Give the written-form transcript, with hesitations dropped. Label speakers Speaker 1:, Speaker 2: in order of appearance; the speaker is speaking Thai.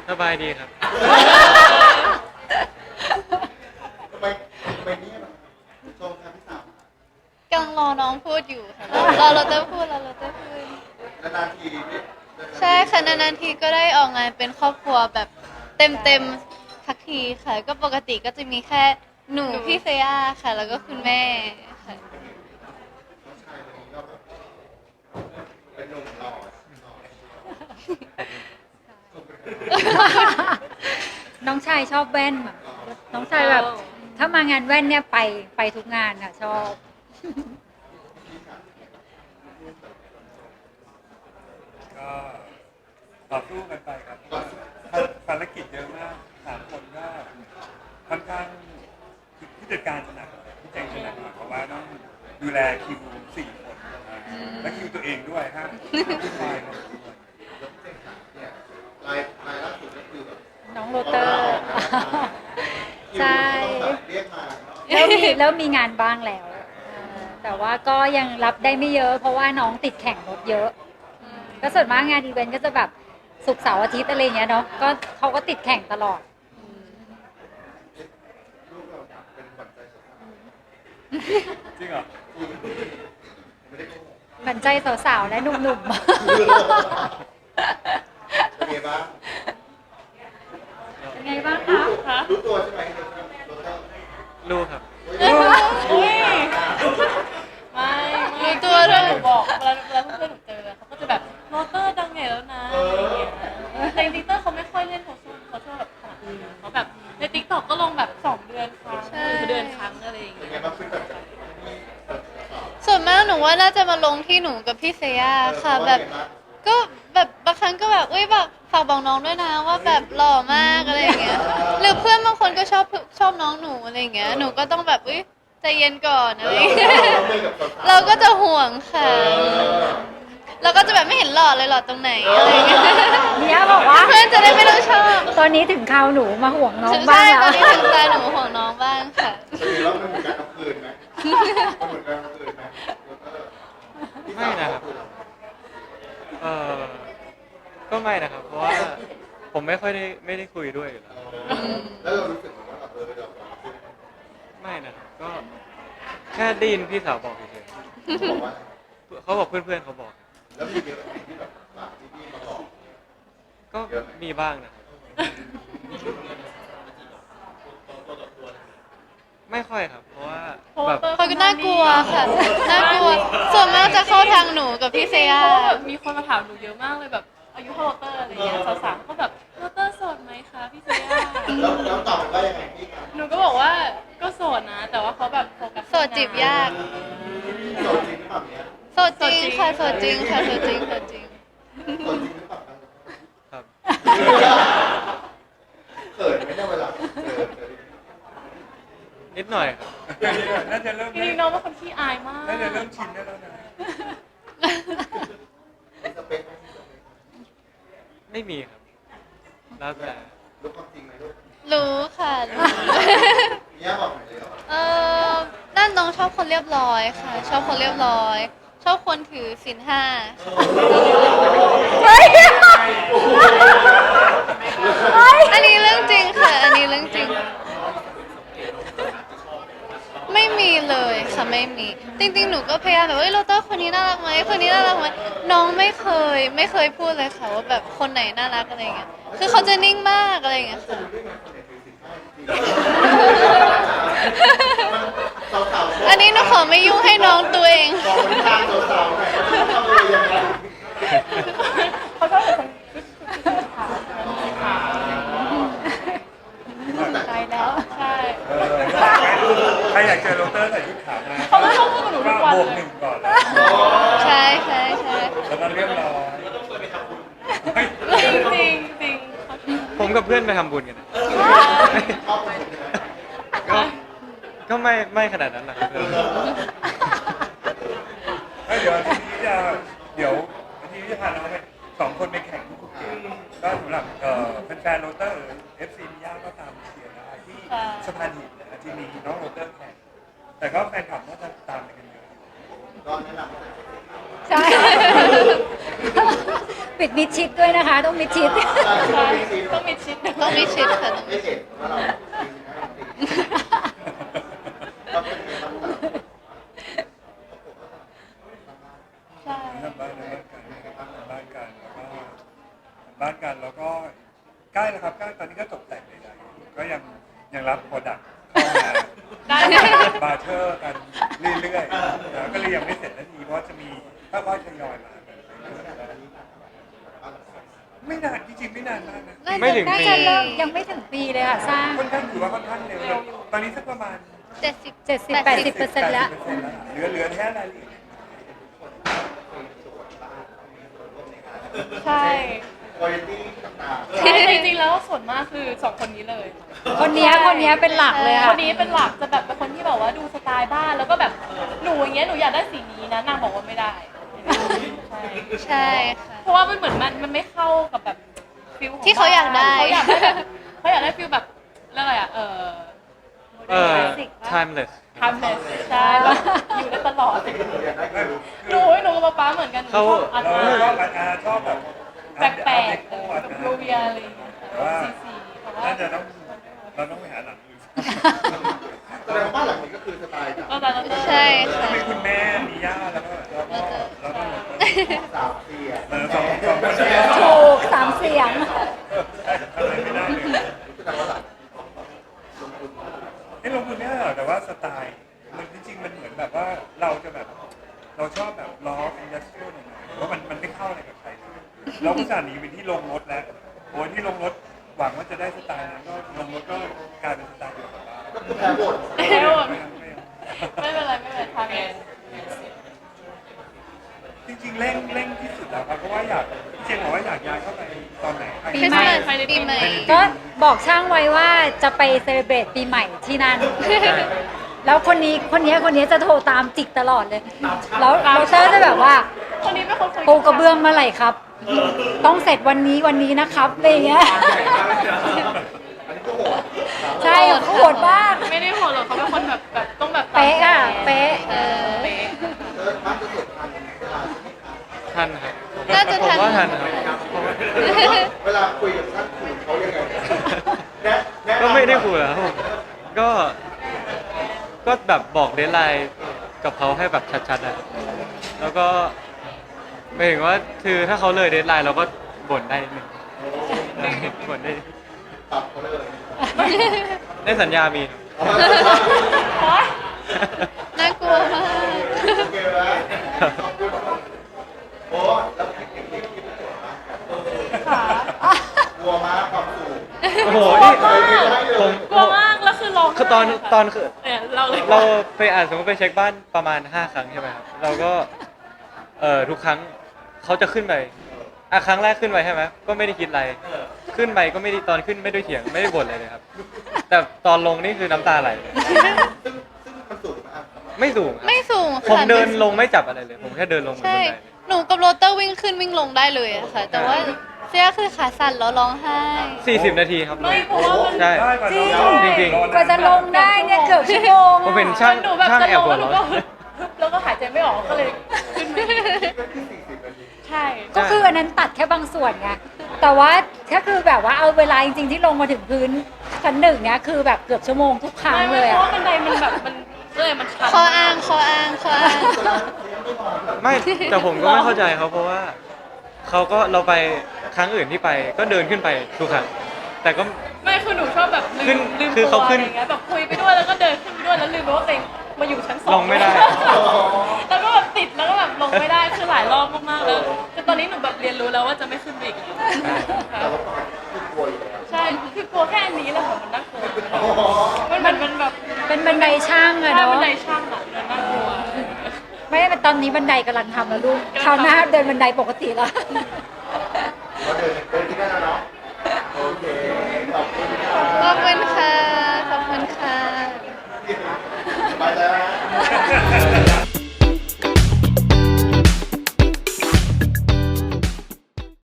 Speaker 1: สบายดีครับ
Speaker 2: ทำไมเนี่ยชมครับพี่สาว
Speaker 3: กำลังรอน้องพูดอยู่ค่ะเราจะพูด
Speaker 2: นานๆที
Speaker 3: ใช่ค่ะนานๆทีก็ได้ออกงานเป็นครอบครัวแบบเต็มสักทีค่ะก็ปกติก็จะมีแค่หนูพี่เฟย่าค่ะแล้วก็คุณแม่ค่ะ
Speaker 2: น้องชายคนนี้ก็แบบเป็นหนุ่มหล่อ
Speaker 4: น้องชายชอบแว่นอะน้องชายแบบถ้ามางานแว่นเนี่ยไปทุกงานค่ะชอบ
Speaker 5: ก็ต่อสู้กันไปครับภารกิจเยอะมาก3 คนก็ค่อนข้างผู้จัดการจะหนักพี่แจงจะหนักเพราะว่าต้องดูแลคิว4 คนและคิวตัวเองด้วยครับผู้ชายด้วย
Speaker 2: เนี่ยลายล่าสุดก็คือแบบ
Speaker 4: น้องโรเตอร์ ใช่
Speaker 2: เรียกมา
Speaker 4: แล้วมีงานบ้างแล้วแต่ว่าก็ยังรับได้ไม่เยอะ เพราะว่าน้องติดแข่งรถเยอะก็ส่วนมากงานอีเวนต์ก็จะแบบศุกร์เสาร์อาทิตย์อะไรเงี้ยเนาะก็เขาก็ติดแข่งตลอด
Speaker 2: ลูกเราเป็นขวัญใจสาว
Speaker 5: จริงเหรอ
Speaker 2: ไม่ได้โกหก
Speaker 4: หมั่นใจสาวๆและหนุ่ม
Speaker 2: เป็นไงบ้าง
Speaker 4: ๆเป็นไงบ้างคะ
Speaker 2: รู้ตัวใช่ไหมโรเตอร์
Speaker 1: รู้ครับ
Speaker 3: รู้ตัวด้วย
Speaker 6: หนูบอกเวลาเพื่อนหนูเจอเขาก็จะแบบโรเตอร์ดังใหญ่แล้วนะอะไรอย่างเงี้ยแต่จริงๆเตอร์เขาไม่ค่อยเล่นโซเชียลแบบขนาดนั้นเขาแบบในติ๊กต็อกก็ลงแบบ2 เดือนครั้งหรือเดือนครั้งอะไรอย่าง
Speaker 2: เป็น
Speaker 6: เงี้
Speaker 2: ไง
Speaker 6: ย
Speaker 2: บ้างขึ้นแบบ
Speaker 3: ส่วนมากหนูว่าน่าจะมาลงที่หนูกับพี่เฟย่าค่ะแบบก็แบบบางครั้งก็แบบอุ้ยแบบฝากบอกน้องด้วยนะว่าแบบหล่อมากอะไรอย่างเงี้ยหรือเพื่อนบางคนก็ชอบน้องหนูอะไรอย่างเงี้ยหนูก็ต้องแบบอุ้ยใจเย็นก่อนอะไรอย่างเงี้ยเราก็จะห่วงค่ะเราก็จะแบบไม่เห็นหล่อเลยหล่อตรงไหนอะไรอย่างเงี้ย
Speaker 4: เนี่ยบอกว่า
Speaker 3: เพื่อนจะได้ไม่ต้องชอบ
Speaker 4: ตอนนี้ถึงคราวหนูมาห่วงน้อง
Speaker 3: ใช่
Speaker 4: บ้าง
Speaker 3: ต
Speaker 4: แล้
Speaker 3: อ
Speaker 4: วน
Speaker 3: นี้ถึงตาหนูห่วงน้องบ้างค่ะ
Speaker 2: จะมีแล้วมันเหมือนการเอาคืนไหมมันเหมือนการเอาคืนไหมโรเตอร์
Speaker 1: ไม่นะครับก็ไม่นะครับ เพราะว่าผมไม่ได้คุยด้วยอยู่แล้ว
Speaker 2: แล้วเรารู้สึกเหมือนว่าแบบเรา
Speaker 1: ไม่นะครับก็แค่ได้ยินพี่สาวบอกเฉย
Speaker 2: บอกว่า
Speaker 1: ๆเขาบอกเพื่อนๆเขาบอก
Speaker 2: แล้วมีเยอะที่แบบฝากที่พี่มาบอก
Speaker 1: ก็มีบ้างนะครับไม่ค่อยครับ เพราะว่าแบบ
Speaker 3: เขาก็น่ากลัวค่ะ น่ากลัว ส่วนมากจะเข้าทางหนูกับพี่เฟย่า
Speaker 6: เพราะว่าแบบมีคนมาถามหนูเยอะมากเลยแบบอายุเท่าโรเตอร์อะไรเงี้ยสาวๆก็แบบโรเตอร์โสดไหมคะพี่เซีย
Speaker 2: แล้วตอบไปว่ายังไงพี่ครับ
Speaker 6: หนูก็บอกว่าก็โสดนะ แต่ว่าเขาแบบโฟกัส
Speaker 3: โสดจีบยาก
Speaker 2: โสดจริงหรือเปล่าเนี่ย
Speaker 3: โสดจริงค่ะ โสดจริงค่ะ โสดจริงโสดจริง
Speaker 2: โสดจริงหรือเปล่า
Speaker 1: ครับ
Speaker 2: เขินไม่ได้เวลาเจอ
Speaker 1: นิดหน่อยครับ
Speaker 5: น่าจะเริ่ม
Speaker 6: จริงๆน้องเป็นคนขี้อายมาก
Speaker 5: น่าจะเริ่มชินได้แล้วนะ
Speaker 2: สเปคไหม
Speaker 1: ไม่มีครับ แล้วแต่
Speaker 2: รู้ความจริงไหมลูก
Speaker 3: รู้ค่ะรู้
Speaker 2: เนี่ยบอกหน่อยเลย
Speaker 3: นั่นน้องชอบคนเรียบร้อยค่ะ ชอบคนเรียบร้อย ชอบคนถือศีลห้า
Speaker 4: เฮ้ย
Speaker 3: อันนี้เรื่องจริงค่ะ อันนี้เรื่องจริง ไม่มีเลยค่ะไม่มี จริงๆ หนูก็พยายามแบบโรเตอร์คนนี้น่ารักไหมคนนี้น่ารักไหมน้องไม่เคยพูดเลยค่ะว่าแบบคนไหนน่ารักอะไรเงี้ยคือเขาจะนิ่งมากอะไรเงี้ยค่ะ อันนี้หนูขอไม่ยุ่งให้น้องตัวเอง
Speaker 2: มองไปทางสาวๆหน่อยว่าทำอะไรยังไง
Speaker 6: เขาชอบแต่ชุดขาว
Speaker 4: ตายแล้ว
Speaker 6: ใช่
Speaker 5: ใครอยากเจอโรเตอร์ใส่ชุดขาวมา
Speaker 6: เขาไม่ชอบพูดกับหนูทุกวัน
Speaker 5: บวก
Speaker 6: เลย
Speaker 5: 1ก่อนเลย
Speaker 3: ใช่ใช่
Speaker 5: แล้วก็เรียบร้อย
Speaker 6: จริงจริงจริงเขาชอบ
Speaker 1: ผมกับเพื่อนไปทำบุญกันนะ
Speaker 2: ชอบคนใช่ไหม
Speaker 1: ก็ไม่ขนาดนั้นหรอกครับ
Speaker 5: เดี๋ยวอาทีนี้อาทีนี้จะพาเราไป2 คนไปแข่งที่ภูเก็ตก็สำหรับแฟนๆโรเตอร์ FC มิยาก็ตามเชียร์ได้ที่สะพานหินนะที่มีน้องโรเตอร์แข่งแต่ก็แฟนคลับน่าจะตามไปกันเยอะ
Speaker 2: ก็แนะนำให้
Speaker 4: ใช่ปิดมิดชิดด้วยนะคะ ต้องมิดชิด
Speaker 6: ใช่ต้องมีชิด
Speaker 3: ต้องมีชิดค่ะ
Speaker 2: ไม่เห็นว่าเราเราเป็นไงบ้างครับ
Speaker 6: ใช่
Speaker 5: ทำบ้านกันบ้านกันแล้วก็ใกล้แล้วครับใกล้ตอนนี้ก็ตกแต่งใดๆก็ยังรับโปรดักต์เข้ามา
Speaker 6: ได้
Speaker 5: บาร์เทอร์กันเรื่อยๆแล้วก็เลยยังไม่เสร็จนาทีเพราะจะมีถ้าว่าทยอยมากันไม่นานจริงๆไม่นานมากนะ
Speaker 1: ไม่ถึง
Speaker 4: น่า
Speaker 1: ปี
Speaker 4: จะเริ่มยังไม่ถึงปีเลยค่ะ สร้าง
Speaker 5: ค่อนข้างถือว่าค่อนข้างเร็วตอนนี้สักประมาณ
Speaker 3: 70-80%
Speaker 4: แล้ว
Speaker 5: เหลือแค่รายละเอียด
Speaker 6: ใช่
Speaker 2: คุณภาพต่าง
Speaker 6: ใช่จริงๆแล้วส่วนมากคือสองคนนี้เลย
Speaker 4: คนเนี้ยเป็นหลักเลย
Speaker 6: ค
Speaker 4: ค่ะ
Speaker 6: นนี้เป็นหลักจะแบบเป็นคนที่แบบว่าดูสไตล์บ้านแล้วก็แบบหนูอย่างเงี้ยหนูอยากได้สีนี้นะนางบอกว่าไม่ได้ใช่
Speaker 3: ใช่ค่ะ
Speaker 6: เพราะว่ามันเหมือนมันไม่เข้ากับแบบฟิลของ
Speaker 3: ที่เขาอยากได้
Speaker 6: เขาอยากได้แบบเขาอยากได้ฟิลแบบเรื่องอะไรอ่ะ
Speaker 1: timeless
Speaker 6: timeless ใช่แบบอยู่ได้ตลอดหนูกับป๊าเหมือนกันหนูชอบอาร์ต
Speaker 5: เราชอบชอบแบบ
Speaker 6: แปลกๆแบบโรเวียอะไรอย่างเงี้ยสีแต่ว่า
Speaker 5: น่าจะเราต้องไปหาหลังอื่น
Speaker 2: ๆแสดงว่าบ้านหลังนี้ก็คือสไตล์แบบ
Speaker 6: ก็แต่ละ
Speaker 3: ใช่ค่ะ
Speaker 5: ต้องมีคุณแม่มีย่าแล้วก็
Speaker 2: สามเสีย
Speaker 5: สองคน
Speaker 4: ถูก3 เสียง
Speaker 5: ทำอะไรไม่ได้เลย
Speaker 2: แสดงว่าหลัง
Speaker 5: นี่ลงทุนไม่ได้หรอกแต่ว่าสไตล์มันจริงๆมันเหมือนแบบว่าเราจะแบบเราชอบแบบล้ออินดัสเทรียลหน่อยๆเพราะมันไม่เข้าอะไรกับใครเลยเราก็จะหนีไปที่ลงรถแล้วโอ้ที่ลงรถหวังว่าจะได้สไตล์นั้นก็ลงรถก็กลายเป็นสไตล์เดียวกับบ้าน
Speaker 2: ก็คือแพ้บท
Speaker 6: ไม่เป็นไรทางเอง
Speaker 5: จริงๆเร่งที่สุดแล้วครับเพราะว่าอยากพี่เจนบอกว่าอยากย้ายเข้าไปตอนไหน
Speaker 3: คริสต์มาสปีใหม่
Speaker 4: ก็บอกช่างไว้ว่าจะไปเซเลบรตปีใหม่ที่นั่น แล้วคนนี้จะโทรตามจิกตลอดเลย แล้วโรเตอร์จะแบบว่า
Speaker 6: คนนี้เป็นคนคุย
Speaker 4: ปูกระเบื้องเมื่อไหร่ครับ ต้องเสร็จวันนี้นะครับอะไรอย่างเงี้ย
Speaker 2: อันนี้ก็โหด
Speaker 4: ใช่โหดมาก
Speaker 6: ไม่ได้โหดหรอกเขาเป็นคนแบบต้องแบบ
Speaker 4: เป๊ะอะเป๊ะ
Speaker 6: เป๊ะ
Speaker 2: บ้านจะเสร็จทันเวลาใช่ไหมครับ
Speaker 1: ทันครับ
Speaker 3: น่าจะทัน
Speaker 1: ผมว่าทันครับ
Speaker 2: เวลาคุยกับท่านคุยเขายังไงแนะ
Speaker 1: ก็ไม่ได้คุยแล้วก็แบบบอกเดทไลน์กับเขาให้แบบชัดๆอะแล้วก็หมายถึงว่าคือถ้าเขาเลยเดทไลน์เราก็บ่นได้นิดนึงบ่นได้
Speaker 2: ปรับเขาเลย
Speaker 1: ในสัญญามีครับ
Speaker 3: น่ากลัวมาก
Speaker 2: โอเคแล้วขอบคุณโอ้แล้วเทคนิคที่พี่โจทย์มาก
Speaker 6: ค่ะ
Speaker 2: กลัวมากความสูง
Speaker 1: โอ้โหนี่ผม
Speaker 6: กลัวมากแล้วคือร้องไห้
Speaker 1: คือตอนคือ
Speaker 6: เนี่ยเราเลย
Speaker 1: เราไปสมมติไปเช็คบ้านประมาณ5 ครั้งใช่ไหมครับเราก็ทุกครั้งเขาจะขึ้นไปครั้งแรกขึ้นไปใช่ไหมก็ไม่ได้คิดอะไรขึ้นไปก็ไม่ได้ตอนขึ้นไม่ได้เถียงไม่ได้บ่นอะไรเลยครับ แต่ตอนลงนี่คือน้ำตาไหลเลย
Speaker 2: ซึ่งมันสูงมาก
Speaker 1: ไม่สูงครับ
Speaker 3: ไม่สูงค่ะ
Speaker 1: ผมเดินลงไม่จับอะไรเลย ผมแค่เดินลงบนบัน
Speaker 3: ใช่
Speaker 1: ได
Speaker 3: หนูกับโรเตอร์วิ่งขึ้นวิ่งลงได้เลยอะค่ะ แต่ว่าเสียคือขาสั่นแล้วร้องไห้
Speaker 1: 40 นาทีครับ
Speaker 6: ไม่เพราะว่ามัน
Speaker 1: ใช่ จริง
Speaker 4: กว่าจะลงได้เนี่ยเกือบชั่วโมง
Speaker 1: ผมเป็น
Speaker 4: อะ
Speaker 1: ช่าง
Speaker 6: หนูแบบ
Speaker 1: ช่าง
Speaker 6: จะ
Speaker 1: แอ
Speaker 6: ล
Speaker 1: บ
Speaker 6: ง
Speaker 1: หั
Speaker 6: แล้ว วหนู
Speaker 1: เราะ
Speaker 6: ก็แล้วก็หายใจไม่ออกก็เลยขึ้นมาอีก
Speaker 2: ก็ที่40นาที
Speaker 6: ใช่
Speaker 4: ก็คืออันนั้นตัดแค่บางส่วนไง แต่ว่าถ้าคือแบบว่าเอาเวลาจริงๆที่ลงมาถึงพื้นชั้น 1เนี่ยคือแบบเกือบชั่วโมงทุกครั้ง
Speaker 6: ไม่
Speaker 4: เลย
Speaker 6: เพราะ
Speaker 4: อะ
Speaker 6: ว่าบันไดมันแบบมันมันชัน
Speaker 3: ข้ออ้างข้ออ้างข้ออ้าง
Speaker 1: ไม่แต่ผมก็ไม่เข้าใจเขาเพราะว่าเขาก็เราไปครั้งอื่นที่ไปก็เดินขึ้นไปทุกครั้งแต่ก็
Speaker 6: ไม่คือหนูชอบแบบ
Speaker 1: ขึ้น
Speaker 6: ลืม
Speaker 1: คือ
Speaker 6: ตัว
Speaker 1: เขา
Speaker 6: อะ
Speaker 1: ขึ้
Speaker 6: ไร
Speaker 1: น
Speaker 6: อย่างเงี้ยแบบคุยไปด้วยแล้วก็เดินขึ้นไปด้วยแล้วลืมไปว่าตัวเองมาอยู่ชั้น 2
Speaker 1: ลงไม่ได้
Speaker 6: แล้วก็แบบติดแล้วก็แบบลงไม่ได้คือหลายรอบมากๆแล้วจนตอนนี้หนูแบบเรียนรู้แล้วว่าจะไม่ขึ้นไปอีกแล้วค่ะ
Speaker 2: แต่ว่าปกติคือกลัวอยู่แล้ว
Speaker 6: ใช่คือกลัวแค่อันนี้แหละค่ะมันน่ากลัวมันเหมือนมันแบบ
Speaker 4: เป็นบันไดช่างอะ
Speaker 6: ถ้า
Speaker 4: เนาะ
Speaker 6: บันไดช่างอ่ะมันน่ากลัว
Speaker 4: ไม่ได้ตอนนี้บันไดกำลังทำแล้วลูกคราวหน้าเดินบันไดปกติแล้ว
Speaker 2: ก็เดินที่นั่นแล้วเนาะโอเค